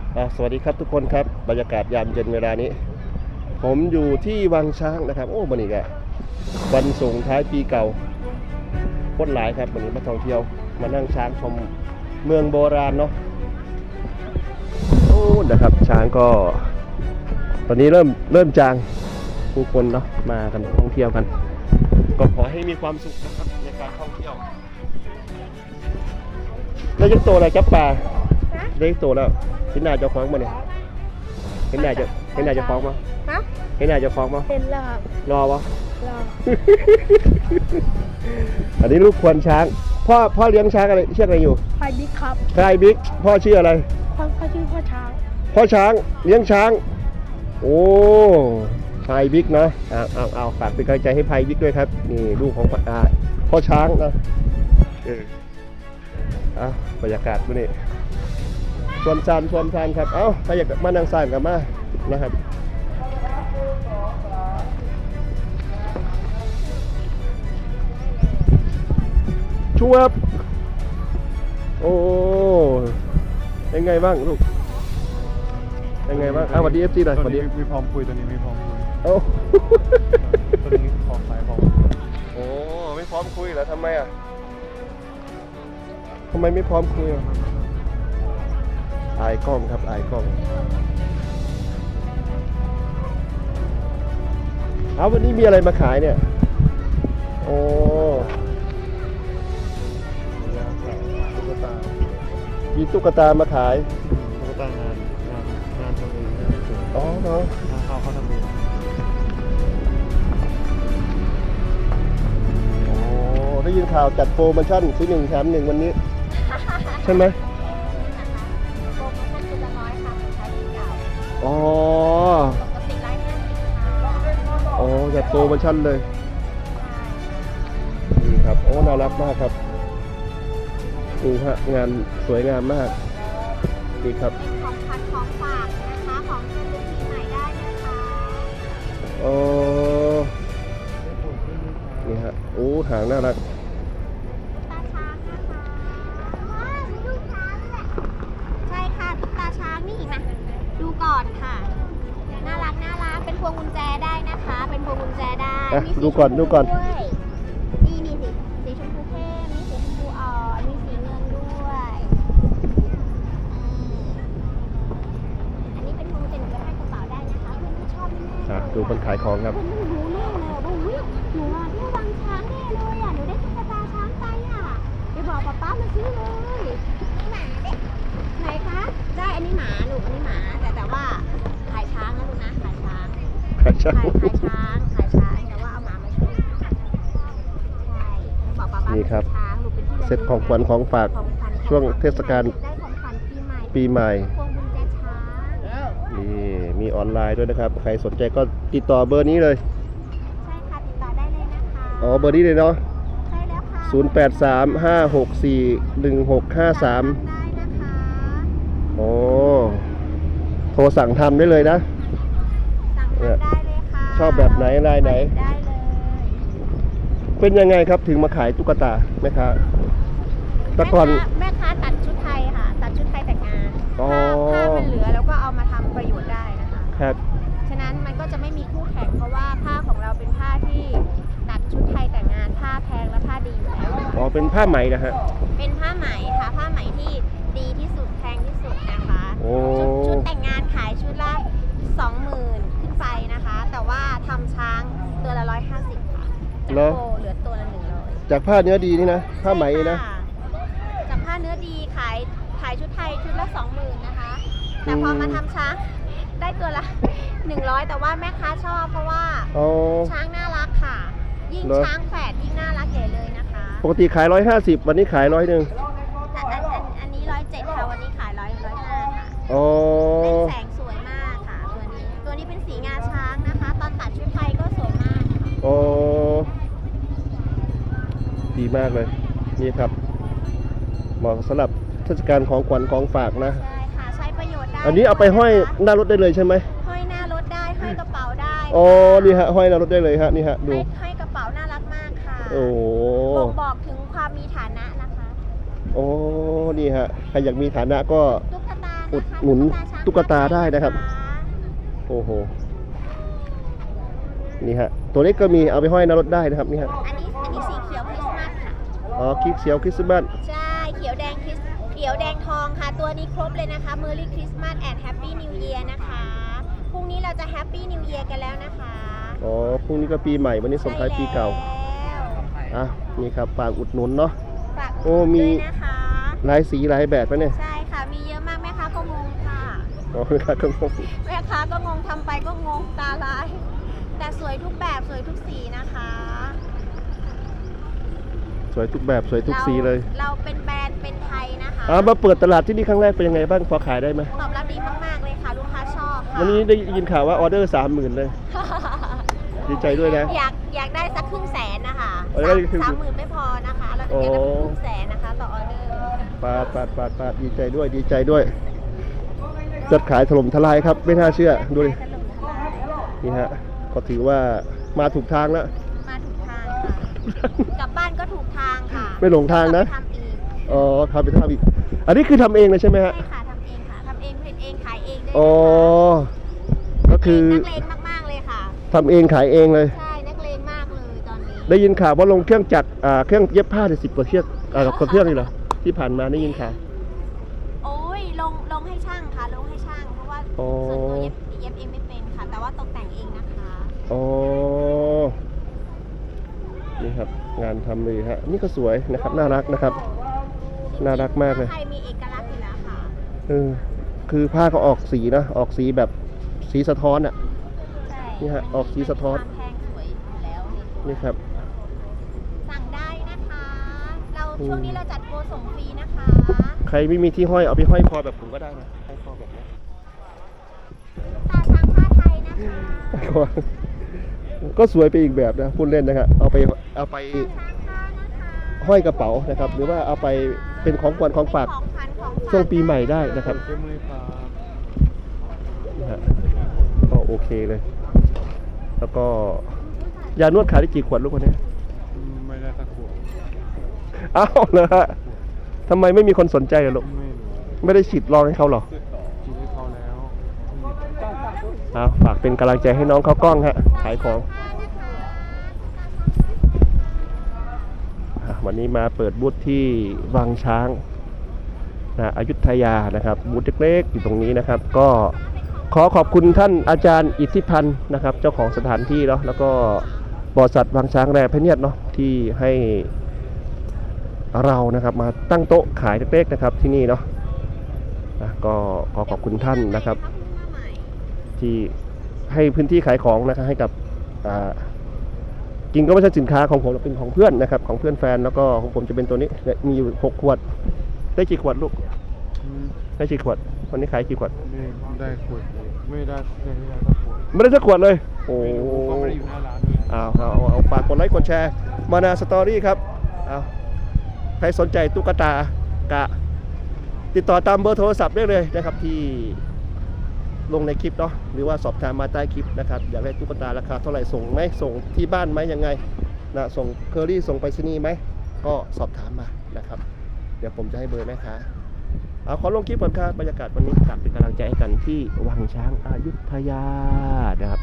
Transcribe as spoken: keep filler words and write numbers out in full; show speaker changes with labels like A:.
A: สวัสดีครับทุกคนครับบรรยากาศยามเย็นเวลานี้ผมอยู่ที่วังช้างนะครับโอ้วันนี้ก็วันส่งท้ายปีเก่าคนหลายครับวันนี้มาท่องเที่ยวมานั่งช้างชมเมืองโบราณเนาะโอ้นะครับช้างก็ตอนนี้เริ่มเริ่มจางผู้คนเนาะมากันท่องเที่ยวกันก็ขอให้มีความสุขนะครับในการท่องเที่ยวแล้วยังโตอะไรจับปลาได้โตแล้วเห็นหน้าเจ้าของมาเนี่ยเห็นหน้าจะเห็นหน้าเจ้าของมาฮะเห็นหน้าเจ้าของมา
B: เห็นแล้วครับ
A: รอวะ
B: รอ
A: อันนี้ลูกควรช้างพ่อพ่อเลี้ยงช้างอะไรเชื่ออะไรอยู่
B: ไฟบิ๊กครับ
A: ใครบิ๊กพ่อชื่ออะไร
B: พ่อพ่อชื่อพ่อช้าง
A: พ่อช้างเลี้ยงช้างโอ้ไฟบิ๊กนะเอาเอาเอาฝากเป็นกำลังใจให้ไฟบิ๊กด้วยครับนี่ลูกของพ่อช้างนะเอออ่ะบรรยากาศวันนี้ชวนซานชวนซานครับเอ้าใครอยากมานั่งซานกับมานะครับชวบโอ้ยังไงบ้างลูกยังไงบ้างอ้าวสวัสดีเอฟซีหน่อยสวัสดี
C: มีพร้อมคุยตัวนี้มีพร้อมคุย
A: โอ้
C: ตัวนี้พร้อมสายพร้อม
A: โอ้ไม่พร้อมคุยเหรอทำไมอ่ะทำไมไม่พร้อมคุยอ่ะอายกล้องครับอายกล้องเอาวันนี้มีอะไรมาขายเนี่ยโอ้
C: ตุ๊กตา
A: มีตุ๊กตามาขาย
C: ตุ๊กตางานงานงานทำเอง
A: อ๋อเนาะ
C: งานเขาเขาทำเอง
A: โอ้ได้ยินข่าวจัดโปรโมชั่นซื้อหนึ่งแถมหนึ่งวันนี้ใช่ไหมอ๋ออ๋อจัดโปรโมชั่นเลยนี่ครับโอ้น่ารักมากครับดูฮะงานสวยงามมากนี่ครับ
B: ของพันของฝากนะคะของเดือนปีใหม่ได้นะคะ
A: โอ้นี่ฮะโอ้หางน่ารัก
B: ตาช้างนะคะว้าวดูช้างแหละใช่ค่ะตุ๊กตาช้างนี่มาดูก่อนค่ะน่ารักน่ารักเป็นพวงกุญแจได้นะคะเป็นพวงกุญแจได้
A: ดูก่อนดูก่อน
B: นี่นี่สิสีชมพูเข้มมีสีชมพูอ่อนมีสีเงินด้วยอันนี้เป็นพวงกุญแจหนูจะให้กระเป๋าได้นะคะเพื่อนชอบแน่
A: ๆดูคนขายของครับ
B: หนูรู้แน่เลยว่าหนูหนูอ่ะที่วังช้างแน่เลยอ่ะหนูได้ตุ๊กตาช้างไปอ่ะไปบอกป๊าป๊ามาซื้อเลยหมาเด็กไหนคะได้อันนี้หมาลูกอันนี้หมาแต่แต่ว่าขายช้างนะลูกนะขายช้าง
A: ขายช้าง
B: ขายช้างขายช้างแต่ว่าเอาหมามาช่วยใช่บอกป๊าป๊า
A: นี่ครับ
B: ช้างลูกเป็นที่
A: เซ็ตของขวัญของฝากช่วงเทศกาล
B: ได้ของขวัญปีใหม่
A: ปีใหม่
B: พวงกุญแจช้าง
A: นี่มีออนไลน์ด้วยนะครับใครสนใจก็ติดต่อเบอร์นี้เลย
B: ใช่ค่ะติดต่อได้เลยนะคะ
A: อ๋อเบอร์นี้เลยเนาะ
B: ใช่แล้วค่ะ
A: ศูนย์ แปด สาม ห้า หก สี่ หนึ่ง หก ห้า สาม
B: ได้นะคะ
A: โอ้โทรสั่งทำได้เลยนะ
B: สั่งทำได้เลยค่ะ
A: ชอบแบบไหนลายไหน
B: ได้เลย
A: เป็นยังไงครับถึงมาขายตุ๊กตาแม่ค้าแต่ก่อน
B: แม่ค้าตัดชุดไทยค่ะตัดชุดไทยแต่งงานผ้าผ้ามันเหลือแล้วก็เอามาทำประโยชน์ได้นะคะ
A: ครับ
B: ฉะนั้นมันก็จะไม่มีคู่แข่งเพราะว่าผ้าของเราเป็นผ้าที่ตัดชุดไทยแต่งงานผ้าแพงและผ้าดีอยู่แล้ว
A: อ๋อเป็นผ้าไหมนะฮะ
B: เป็นผ้าไหมค่ะผ้าไหมที่ดีที่สุดแพงที่สุดนะคะชุดชุดแต่งงานขายชุดละสองหมื่นขึ้นไปนะคะแต่ว่าทำช้างตัวละร้อยห้าสิบค่ะจากโบเหลือตัวละหนึ่งร้อย
A: จากผ้าเนื้อดีนี่นะผ้าไหมนะ
B: จากผ้าเนื้อดีขายขายชุดไทยชุดละสองหมื่นนะคะแต่พอมาทำช้างได้ตัวละหนึ่งร้อยแต่ว่าแม่ค้าชอบเพราะว่าช้างน่ารักค่ะยิ่งช้างแฝดยิ่งน่ารักใหญ่เลยนะคะ
A: ปกติขายร้อยห้าสิบวันนี้ขายร้อยหนึ่ง
B: อันอันอันนี้ร้อยเจ็ดค่ะวันนี้ขายร้อยร้อยห้าค่ะ
A: อ๋อ
B: เป็นแสงสวยมากค่ะตัวนี้ตัวนี้เป็นสีงาช้างนะคะตอนตัดชุดไทยก็สวยมาก
A: อ๋อดีมากเลยนี่ครับเหมาะสำหรับเทศกาลของขวัญของฝากนะ
B: ใช่ค่ะใช้ประโยชน์ได้
A: อันนี้เอาไปห้อยหน้ารถได้เลยใช่ไหม
B: ห้อยหน้ารถได้ห้อยกระเป๋าได้
A: อ๋อนี่ฮะห้อยหน้ารถได้เลยฮะนี่ฮะดู
B: ห้อยกระเป๋าน่ารักมากค่ะ
A: โอ้
B: บ่งบอกถึงความมีฐานะนะคะ
A: โอ้นี่ฮะใครอยากมีฐานะก็
B: ตุ๊กตา
A: อุดหนุนตุ๊กตาได้นะครับ โอ้โห นี่ฮะ ตัวเล็กก็มีเอาไปห้อยหน้ารถได้นะครับนี่ฮะ
B: อันนี้อันนี้สีเขียวคริสต์มาสค่ะ
A: อ๋อคลิกเสียวคริสต์มาส
B: ใช่ เขียวแดงคริสเขียวแดงทองค่ะ ตัวนี้ครบเลยนะคะ Merry Christmas and Happy New Year นะคะ พรุ่งนี้เราจะ Happy New Year กันแล้วนะคะ
A: อ๋อ พรุ่งนี้ก็ปีใหม่ วันนี้ส่งท้ายปีเก่า
B: ใช่แล้ว
A: อ่ะ นี่ครับ ฝากอุดหนุนเนาะ
B: ฝาก
A: โอ้มี
B: ด้วยนะคะ
A: หลายสีหลายแบบปะเนี่ย
B: ใช่ค่ะ มีเยอะมากแม่ค้าก็งงค่ะ
A: อ๋อครับก็งง
B: แม่ค้าก็งงทำไปก็งงตาลาย แต่สวยทุกแบบสวยทุกสีนะคะ
A: สวยทุกแบบสวยทุกสีเลย
B: เราเป็นแบรนด์เป็นไทยนะคะ
A: อ่ามาเปิดตลาดที่นี่ครั้งแรกเป็นยังไงบ้างพอขายได้ไหม
B: ตอบรับดีมากๆเลยค่ะ ลูกค้าชอบค่ะ
A: วันนี้ได้ยินข่าวว่าออเดอร์สามหมื่นเลย ดีใจด้วยนะ
B: อยากอยากได้สักครึ่งแสนนะคะ
A: เออได้ครึ่ง
B: สามหมื่นไม่พอนะคะ เราจะอยากได้ครึ่งแสนนะคะต่อออเดอร์
A: ปาดปาดปาดปาดดีใจด้วยดีใจด้วยยอดขายถล่มทลายครับ ไม่น่าเชื่อดูดิ
B: ถล่มทลาย
A: นี่ฮะก็ถือว่ามาถูกทางแล้ว
B: มาถูกทางค่ะ กลับบ้านก็ถูกทางค่ะ
A: ไม่หลงทางนะ
B: ทำอีก
A: อ๋อทำไปทำอีก อันนี้คือทำเองเลยใช่ไหมฮะ
B: ใช่ค่ะทำเองค่ะทำเองผลิตเองขายเองด้วย
A: อ๋อ ก็คือ
B: นักเลงมากๆเลยค่ะ
A: ทำเองขายเองเลย
B: ใช่นักเลงมากเลยตอนนี้
A: ได้ยินข่าวว่าลงเครื่องจักรอ่าเครื่องเย็บผ้าได้สิบกว่าเครื่องอ่ากับเครื่องนี่เหรอที่ผ่านมาได้ยินข่าว
B: โอ้ยลงลงให้ช่างค่ะลงให้ช่างเพราะว่า
A: อ๋อ
B: ส่วนตัวเย็บเย็บเองไม่เป็นค่ะ แต่ว่าตกแต่งเองนะคะ
A: อ๋อ นี่ครับ งานทำเลยฮะ นี่ก็สวยนะครับ น่ารักนะครับ น่ารักมากเลย
B: ไทยมีเอกลักษณ์อยู่แล้วค่ะ
A: เออ คือผ้าก็ออกสีนะ ออกสีแบบสีสะท้อนอ่ะ
B: ใช่
A: นี่ฮะออกสีสะท้อน
B: ความแพงสวยอยู่แล้วนี่
A: นี่ครับ
B: สั่งได้นะคะ เราช่วงนี้เราจัดโปรส่งฟรีนะคะ
A: ใครไม่มีที่ห้อยเอาไปห้อยคอแบบผมก็ได้นะห้อยคอแบบนี้
B: ตาช้างผ้าไทยนะคะ
A: ก็สวยไปอีกแบบนะพูดเล่นนะครับ เอาไปเอาไป
B: ตาช้างผ้านะคะ
A: ห้อยกระเป๋านะครับ หรือว่าเอาไปเป็นของขวัญของฝาก
B: ของขวัญของฝาก
A: ช่วงปีใหม่ได้นะครับ
C: เข้มเลยครับ
A: นะฮะก็โอเคเลย แล้วก็ยานวดขายได้กี่ขวดลูกคนนี้
C: อืมไม่ได้สักขวด
A: อ้าวเลยฮะทำไมไม่มีคนสนใจเลยลูก
C: ไม่รู้
A: ไม่ได้ฉีดลองให้เขาหรอ
C: กินให้เขาแล้ว
A: เอาฝากเป็นกำลังใจให้น้องเขากล้องฮะ ขายของอ่ะวันนี้มาเปิดบูธที่วังช้างนะอยุธยานะครับ บูธเล็กๆอยู่ตรงนี้นะครับ ก็ขอขอบคุณท่านอาจารย์อิทธิพันธ์นะครับ เจ้าของสถานที่เนาะแล้วก็บริษัทวังช้างแรพเนียดเนาะที่ให้เรานะครับมาตั้งโต๊ะขายเล็กๆนะครับที่นี่เนาะนะก็ขอขอบคุณท่านนะครับ ที่ให้พื้นที่ขายของนะครับให้กับอ่าจริงก็ไม่ใช่สินค้าของผมเป็นของเพื่อนนะครับของเพื่อนแฟนแล้วก็ของผมจะเป็นตัวนี้เนี่ยมีอยู่หกขวดได้กี่ขวดลูก
C: อืม
A: ได้กี่ขวดวันนี้ขายกี่ขวด
C: ไม่ได้ขวดเลยไม่ได้ไม่ได้สักขวด
A: ไม่ได้สักขวดเลยโอ้
C: ไม่รู้ก็ไม่ได้อยู่หน้าร้านด้วย
A: เอาเอาเอาเอาฝากกดไลค์กดแชร์มานาสตอรี่ครับเอาใครสนใจตุ๊กตากะติดต่อตามเบอร์โทรศัพท์ได้เลยนะครับที่ลงในคลิปเนาะหรือว่าสอบถามมาใต้คลิปนะครับอยากได้ตุ๊กตาราคาเท่าไหร่ส่งไหมส่งที่บ้านไหมยังไงนะส่งเคอรี่ส่งไปรษณีย์ไหมก็สอบถามมานะครับเดี๋ยวผมจะให้เบอร์แม่ค้าเอาขอลงคลิปก่อนครับบรรยากาศวันนี้ฝากเป็นกำลังใจให้กันที่วังช้างอยุธยานะครับ